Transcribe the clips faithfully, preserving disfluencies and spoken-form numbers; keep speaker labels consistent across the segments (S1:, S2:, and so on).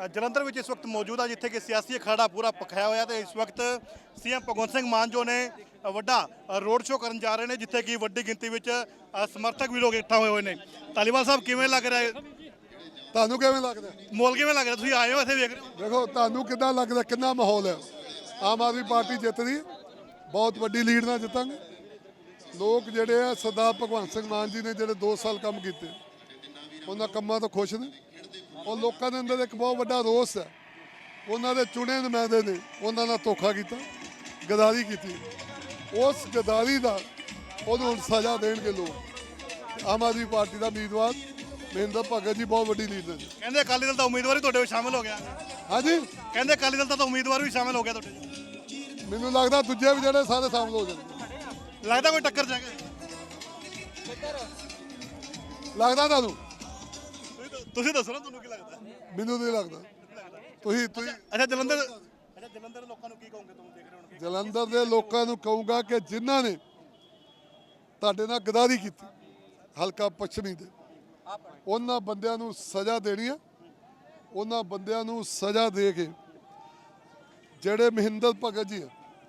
S1: ਜਲੰਧਰ ਵਿੱਚ ਇਸ ਵਕਤ ਮੌਜੂਦ ਆ ਜਿੱਥੇ ਕਿ ਸਿਆਸੀ ਅਖਾੜਾ ਪੂਰਾ ਪਖਾਇਆ ਹੋਇਆ ਤੇ ਇਸ ਵਕਤ ਸੀਐਮ ਭਗਵੰਤ ਸਿੰਘ ਮਾਨ ਜੋ ਨੇ ਵੱਡਾ ਰੋਡ ਸ਼ੋਅ ਕਰਨ ਜਾ ਰਹੇ ਨੇ ਜਿੱਥੇ ਕਿ ਵੱਡੀ ਗਿਣਤੀ ਵਿੱਚ ਸਮਰਥਕ ਵੀ ਲੋਕ ਇਕੱਠਾ ਹੋਏ ਹੋਏ ਨੇ। ਧਾਲੀਵਾਲ ਸਾਹਿਬ ਕਿਵੇਂ ਲੱਗ ਰਿਹਾ ਹੈ?
S2: ਤੁਹਾਨੂੰ ਕਿਵੇਂ ਲੱਗਦਾ?
S1: ਮਾਹੌਲ ਕਿਵੇਂ ਲੱਗ ਰਿਹਾ? ਤੁਸੀਂ ਆਏ ਹੋ ਇੱਥੇ ਵੇਖ ਰਹੇ ਹੋ?
S2: ਦੇਖੋ ਤੁਹਾਨੂੰ ਕਿੱਦਾਂ ਲੱਗਦਾ, ਕਿੰਨਾ ਮਾਹੌਲ ਹੈ? ਆਮ ਆਦਮੀ ਪਾਰਟੀ ਜਿੱਤਦੀ ਹੈ, ਬਹੁਤ ਵੱਡੀ ਲੀਡ ਨਾਲ ਜਿੱਤਾਂਗੇ। ਲੋਕ ਜਿਹੜੇ ਆ ਸਰਦਾਰ ਭਗਵੰਤ ਸਿੰਘ ਮਾਨ ਜੀ ਨੇ ਜਿਹੜੇ ਦੋ ਸਾਲ ਕੰਮ ਕੀਤੇ ਉਹਨਾਂ ਕੰਮਾਂ ਤੋਂ ਖੁਸ਼ ਨੇ। ਉਹ ਲੋਕਾਂ ਦੇ ਅੰਦਰ ਇੱਕ ਬਹੁਤ ਵੱਡਾ ਰੋਸ ਹੈ, ਉਹਨਾਂ ਦੇ ਚੁਣੇ ਨੁਮਾਇੰਦੇ ਨੇ ਉਹਨਾਂ ਨਾਲ ਧੋਖਾ ਕੀਤਾ, ਗਦਾਰੀ ਕੀਤੀ। ਉਸ ਗਦਾਰੀ ਦਾ ਉਹਨੂੰ ਸਜ਼ਾ ਦੇਣਗੇ ਲੋਕ। ਆਮ ਆਦਮੀ ਪਾਰਟੀ ਦਾ ਉਮੀਦਵਾਰ ਮਹਿੰਦਰ ਭਗਤ ਜੀ ਬਹੁਤ ਵੱਡੀ ਲੀਡ ਨੇ।
S1: ਕਹਿੰਦੇ ਅਕਾਲੀ ਦਲ ਦਾ ਉਮੀਦਵਾਰ ਵੀ ਤੁਹਾਡੇ ਵਿੱਚ ਸ਼ਾਮਿਲ ਹੋ ਗਿਆ।
S2: ਹਾਂਜੀ,
S1: ਕਹਿੰਦੇ ਅਕਾਲੀ ਦਲ ਦਾ ਤਾਂ ਉਮੀਦਵਾਰ ਵੀ ਸ਼ਾਮਿਲ ਹੋ ਗਿਆ ਤੁਹਾਡੇ।
S2: ਮੈਨੂੰ ਲੱਗਦਾ ਦੂਜੇ ਵੀ ਜਿਹੜੇ ਸਾਰੇ ਸ਼ਾਮਲ ਹੋ ਜਾਣਗੇ।
S1: ਲੱਗਦਾ ਕੋਈ ਟੱਕਰ ਜਾਏਗਾ?
S2: ਲੱਗਦਾ ਤੁਹਾਨੂੰ?
S1: ਤੁਸੀਂ ਦੱਸੋ ਨਾ ਤੁਹਾਨੂੰ ਕੀ ਲੱਗਦਾ?
S2: ਮੈਨੂੰ ਨਹੀਂ ਲੱਗਦਾ। ਤੁਸੀਂ ਤੁਸੀਂ
S1: ਅੱਛਾ ਜਲੰਧਰ ਅੱਛਾ ਜਲੰਧਰ ਦੇ ਲੋਕਾਂ ਨੂੰ ਕੀ ਕਹੋਗੇ? ਤੁਹਾਨੂੰ ਦੇਖ ਰਹੇ ਹੋਣਗੇ
S2: ਜਲੰਧਰ ਦੇ ਲੋਕਾਂ ਨੂੰ ਕਹੂੰਗਾ ਕਿ ਜਿਨ੍ਹਾਂ ਨੇ ਤੁਹਾਡੇ ਨਾਲ ਗਦਾਰੀ ਕੀਤੀ ਹਲਕਾ ਪੱਛਮੀ ਦੇ, ਉਹਨਾਂ ਬੰਦਿਆਂ ਨੂੰ ਸਜ਼ਾ ਦੇਣੀ ਹੈ। ਉਹਨਾਂ ਬੰਦਿਆਂ ਨੂੰ ਸਜ਼ਾ ਦੇ ਕੇ ਜਿਹੜੇ ਮਹਿੰਦਰ ਭਗਤ ਜੀ ਆ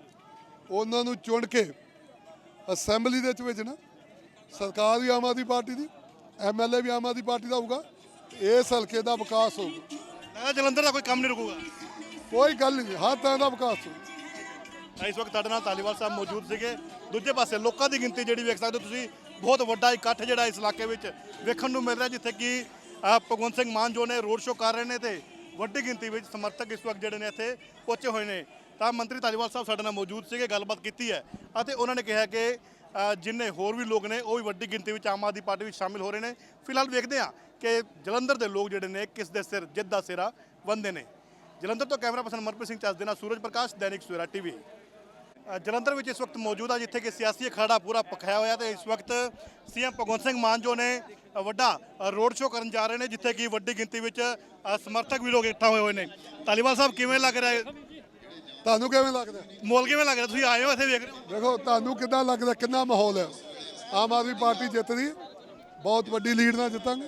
S2: ਉਹਨਾਂ ਨੂੰ ਚੁਣ ਕੇ ਅਸੈਂਬਲੀ ਦੇ ਵਿੱਚ ਭੇਜਣਾ। ਸਰਕਾਰ ਵੀ ਆਮ ਆਦਮੀ ਪਾਰਟੀ ਦੀ, ਐਮ ਐਲ ਏ ਵੀ ਆਮ ਆਦਮੀ ਪਾਰਟੀ ਦਾ ਹੋਊਗਾ। ਇਸ ਹਲਕੇ ਦਾ ਵਿਕਾਸ ਹੋਊਗਾ।
S1: ਲੱਗਦਾ ਜਲੰਧਰ ਦਾ ਕੋਈ ਕੰਮ ਨਹੀਂ ਰੁਕੂਗਾ?
S2: ਕੋਈ ਗੱਲ ਨਹੀਂ, ਹਰ ਤਰ੍ਹਾਂ ਦਾ ਵਿਕਾਸ ਹੋਊਗਾ।
S1: ਇਸ ਵਕਤ ਸਾਡੇ ਨਾਲ ਧਾਲੀਵਾਲ ਸਾਹਿਬ ਮੌਜੂਦ ਸੀਗੇ। ਦੂਜੇ ਪਾਸੇ ਲੋਕਾਂ ਦੀ ਗਿਣਤੀ ਜਿਹੜੀ ਵੇਖ ਸਕਦੇ ਹੋ ਤੁਸੀਂ, ਬਹੁਤ ਵੱਡਾ ਇਕੱਠ ਜਿਹੜਾ ਇਸ ਇਲਾਕੇ ਵਿੱਚ ਵੇਖਣ ਨੂੰ ਮਿਲ ਰਿਹਾ ਜਿੱਥੇ ਕਿ ਭਗਵੰਤ ਸਿੰਘ ਮਾਨ ਜੋ ਨੇ ਰੋਡ ਸ਼ੋਅ ਕਰ ਰਹੇ ਨੇ ਤੇ ਵੱਡੀ ਗਿਣਤੀ ਵਿੱਚ ਸਮਰਥਕ ਇਸ ਵਕਤ ਜਿਹੜੇ ਨੇ ਇੱਥੇ ਪਹੁੰਚੇ ਹੋਏ ਨੇ। ਤਾਂ ਮੰਤਰੀ ਧਾਲੀਵਾਲ ਸਾਹਿਬ ਸਾਡੇ ਨਾਲ ਮੌਜੂਦ ਸੀਗੇ, ਗੱਲਬਾਤ ਕੀਤੀ ਹੈ ਅਤੇ ਉਹਨਾਂ ਨੇ ਕਿਹਾ ਕਿ ਜਿੰਨੇ ਹੋਰ ਵੀ ਲੋਕ ਨੇ ਉਹ ਵੀ ਵੱਡੀ ਗਿਣਤੀ ਵਿੱਚ ਆਮ ਆਦਮੀ ਪਾਰਟੀ ਵਿੱਚ ਸ਼ਾਮਿਲ ਹੋ ਰਹੇ ਨੇ। ਫਿਲਹਾਲ ਵੇਖਦੇ ਹਾਂ ਕਿ ਜਲੰਧਰ ਦੇ ਲੋਕ ਜਿਹੜੇ ਨੇ ਕਿਸ ਦੇ ਸਿਰ ਜਿੱਤ ਦਾ ਸਿਰਾ ਬੰਨ੍ਹਦੇ ਨੇ। ਜਲੰਧਰ ਤੋਂ ਕੈਮਰਾ ਪਰਸਨ ਮਨਪ੍ਰੀਤ ਸਿੰਘ ਚੱਜ ਦੇ ਨਾਲ ਸੂਰਜ ਪ੍ਰਕਾਸ਼, ਦੈਨਿਕ ਸਵੇਰਾ ਟੀਵੀ। ਜਲੰਧਰ ਵਿੱਚ ਇਸ ਵਕਤ ਮੌਜੂਦ ਆ ਜਿੱਥੇ ਕਿ ਸਿਆਸੀ ਅਖਾੜਾ ਪੂਰਾ ਪਖਾਇਆ ਹੋਇਆ ਤੇ ਇਸ ਵਕਤ ਸੀਐਮ ਭਗਵੰਤ ਸਿੰਘ ਮਾਨ ਜੋ ਨੇ ਵੱਡਾ ਰੋਡ ਸ਼ੋਅ ਕਰਨ ਜਾ ਰਹੇ ਨੇ ਜਿੱਥੇ ਕਿ ਵੱਡੀ ਗਿਣਤੀ ਵਿੱਚ ਸਮਰਥਕ ਵੀ ਲੋਕ ਇਕੱਠਾ ਹੋਏ ਹੋਏ ਨੇ। ਧਾਲੀਵਾਲ ਸਾਹਿਬ ਕਿਵੇਂ ਲੱਗ ਰਿਹਾ ਹੈ?
S2: ਤੁਹਾਨੂੰ ਕਿਵੇਂ ਲੱਗਦਾ?
S1: ਮਾਹੌਲ ਕਿਵੇਂ ਲੱਗ ਰਿਹਾ? ਤੁਸੀਂ ਆਏ ਹੋ ਇੱਥੇ ਵੇਖ ਰਹੇ ਹੋ?
S2: ਦੇਖੋ ਤੁਹਾਨੂੰ ਕਿੱਦਾਂ ਲੱਗਦਾ, ਕਿੰਨਾ ਮਾਹੌਲ ਹੈ? ਆਮ ਆਦਮੀ ਪਾਰਟੀ ਜਿੱਤਦੀ ਹੈ, ਬਹੁਤ ਵੱਡੀ ਲੀਡ ਨਾਲ ਜਿੱਤਾਂਗੇ।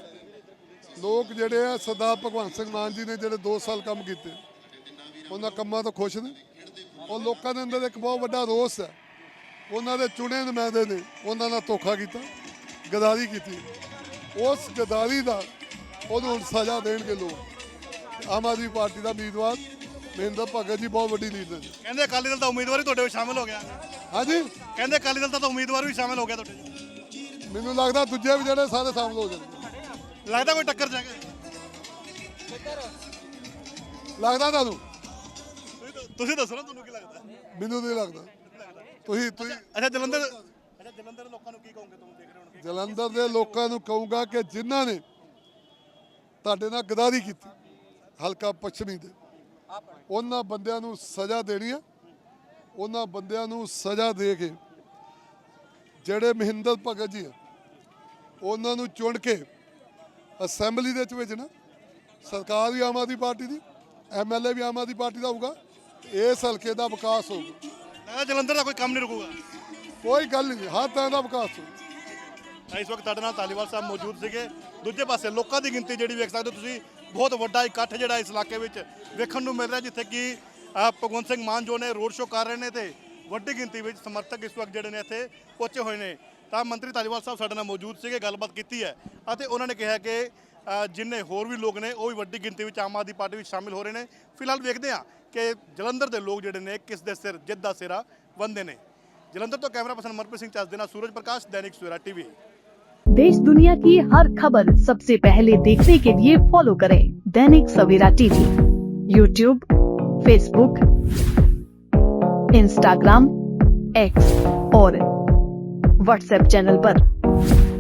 S2: ਲੋਕ ਜਿਹੜੇ ਆ ਸਰਦਾਰ ਭਗਵੰਤ ਸਿੰਘ ਮਾਨ ਜੀ ਨੇ ਜਿਹੜੇ ਦੋ ਸਾਲ ਕੰਮ ਕੀਤੇ ਉਹਨਾਂ ਕੰਮਾਂ ਤੋਂ ਖੁਸ਼ ਨੇ। ਉਹ ਲੋਕਾਂ ਦੇ ਅੰਦਰ ਇੱਕ ਬਹੁਤ ਵੱਡਾ ਰੋਸ ਹੈ, ਉਹਨਾਂ ਦੇ ਚੁਣੇ ਨੁਮਾਇੰਦੇ ਨੇ ਉਹਨਾਂ ਨਾਲ ਧੋਖਾ ਕੀਤਾ, ਗਦਾਰੀ ਕੀਤੀ। ਉਸ ਗਦਾਰੀ ਦਾ ਉਹਨੂੰ ਸਜ਼ਾ ਦੇਣਗੇ ਲੋਕ। ਆਮ ਆਦਮੀ ਪਾਰਟੀ ਦਾ ਉਮੀਦਵਾਰ ਮਹਿੰਦਰ ਭਗਤ ਜੀ ਬਹੁਤ ਵੱਡੀ ਲੀਡ ਨੇ।
S1: ਕਹਿੰਦੇ ਅਕਾਲੀ ਦਲ ਦਾ ਉਮੀਦਵਾਰ ਵੀ ਤੁਹਾਡੇ ਵਿੱਚ ਸ਼ਾਮਿਲ ਹੋ ਗਿਆ।
S2: ਹਾਂਜੀ,
S1: ਕਹਿੰਦੇ ਅਕਾਲੀ ਦਲ ਦਾ ਤਾਂ ਉਮੀਦਵਾਰ ਵੀ ਸ਼ਾਮਿਲ ਹੋ ਗਿਆ ਤੁਹਾਡੇ।
S2: ਮੈਨੂੰ ਲੱਗਦਾ ਦੂਜੇ ਵੀ ਜਿਹੜੇ ਸਾਰੇ ਸ਼ਾਮਲ ਹੋ ਜਾਣਗੇ।
S1: ਲੱਗਦਾ ਕੋਈ ਟੱਕਰ ਜਾਏਗਾ?
S2: ਲੱਗਦਾ ਤੁਹਾਨੂੰ?
S1: ਤੁਸੀਂ ਦੱਸੋ ਨਾ ਤੁਹਾਨੂੰ ਕੀ ਲੱਗਦਾ?
S2: ਮੈਨੂੰ ਨਹੀਂ ਲੱਗਦਾ। ਤੁਸੀਂ ਤੁਸੀਂ
S1: ਅੱਛਾ ਜਲੰਧਰ ਅੱਛਾ ਜਲੰਧਰ ਦੇ ਲੋਕਾਂ ਨੂੰ ਕੀ ਕਹੋਗੇ? ਤੁਹਾਨੂੰ ਦੇਖ ਰਹੇ ਹੋਣਗੇ
S2: ਜਲੰਧਰ ਦੇ ਲੋਕਾਂ ਨੂੰ ਕਹੂੰਗਾ ਕਿ ਜਿਨ੍ਹਾਂ ਨੇ ਤੁਹਾਡੇ ਨਾਲ ਗਦਾਰੀ ਕੀਤੀ ਹਲਕਾ ਪੱਛਮੀ ਦੇ, ਉਹਨਾਂ ਬੰਦਿਆਂ ਨੂੰ ਸਜ਼ਾ ਦੇਣੀ ਹੈ। ਉਹਨਾਂ ਬੰਦਿਆਂ ਨੂੰ ਸਜ਼ਾ ਦੇ ਕੇ ਜਿਹੜੇ ਮਹਿੰਦਰ ਭਗਤ ਜੀ ਆ ਉਹਨਾਂ ਨੂੰ ਚੁਣ ਕੇ ਅਸੈਂਬਲੀ ਦੇ ਵਿੱਚ ਭੇਜਣਾ। ਸਰਕਾਰ ਵੀ ਆਮ ਆਦਮੀ ਪਾਰਟੀ ਦੀ, ਐਮ ਐਲ ਏ ਵੀ ਆਮ ਆਦਮੀ ਪਾਰਟੀ ਦਾ ਹੋਊਗਾ। ਇਸ ਹਲਕੇ ਦਾ ਵਿਕਾਸ ਹੋਊਗਾ।
S1: ਲੱਗਦਾ ਜਲੰਧਰ ਦਾ ਕੋਈ ਕੰਮ ਨਹੀਂ ਰੁਕੂਗਾ?
S2: ਕੋਈ ਗੱਲ ਨਹੀਂ, ਹਰ ਤਰ੍ਹਾਂ ਦਾ ਵਿਕਾਸ ਹੋਊਗਾ।
S1: ਇਸ ਵਕਤ ਸਾਡੇ ਨਾਲ ਧਾਲੀਵਾਲ ਸਾਹਿਬ ਮੌਜੂਦ ਸੀਗੇ। ਦੂਜੇ ਪਾਸੇ ਲੋਕਾਂ ਦੀ ਗਿਣਤੀ ਜਿਹੜੀ ਵੇਖ ਸਕਦੇ ਹੋ ਤੁਸੀਂ, ਬਹੁਤ ਵੱਡਾ ਇਕੱਠ ਜਿਹੜਾ ਇਸ ਇਲਾਕੇ ਵਿੱਚ ਵੇਖਣ ਨੂੰ ਮਿਲ ਰਿਹਾ ਜਿੱਥੇ ਕਿ ਭਗਵੰਤ ਸਿੰਘ ਮਾਨ ਜੋ ਨੇ ਰੋਡ ਸ਼ੋਅ ਕਰ ਰਹੇ ਨੇ ਤੇ ਵੱਡੀ ਗਿਣਤੀ ਵਿੱਚ ਸਮਰਥਕ ਇਸ ਵਕਤ ਜਿਹੜੇ ਨੇ ਇੱਥੇ ਪਹੁੰਚੇ ਹੋਏ ਨੇ। ਤਾਂ ਮੰਤਰੀ ਧਾਲੀਵਾਲ ਸਾਹਿਬ ਸਾਡੇ ਨਾਲ ਮੌਜੂਦ ਸੀਗੇ, ਗੱਲਬਾਤ ਕੀਤੀ ਹੈ ਅਤੇ ਉਹਨਾਂ ਨੇ ਕਿਹਾ ਕਿ ਜਿੰਨੇ ਹੋਰ ਵੀ ਲੋਕ ਨੇ ਉਹ ਵੀ ਵੱਡੀ ਗਿਣਤੀ ਵਿੱਚ ਆਮ ਆਦਮੀ ਪਾਰਟੀ ਵਿੱਚ ਸ਼ਾਮਿਲ ਹੋ ਰਹੇ ਨੇ। ਫਿਲਹਾਲ ਵੇਖਦੇ ਹਾਂ ਕਿ ਜਲੰਧਰ ਦੇ ਲੋਕ ਜਿਹੜੇ ਨੇ ਕਿਸ ਦੇ ਸਿਰ ਜਿੱਤ ਦਾ ਸਿਰਾ ਬੰਨ੍ਹਦੇ ਨੇ। ਜਲੰਧਰ ਤੋਂ ਕੈਮਰਾ ਪਰਸਨ ਮਨਪ੍ਰੀਤ ਸਿੰਘ ਚੱਜ ਦੇ ਨਾਲ ਸੂਰਜ प्रकाश, दैनिक सवेरा टीवी।
S3: देश दुनिया की हर खबर सबसे पहले देखने के लिए फॉलो करें Dainik Savera TV, YouTube, Facebook, Instagram, X और व्हाट्सएप चैनल पर।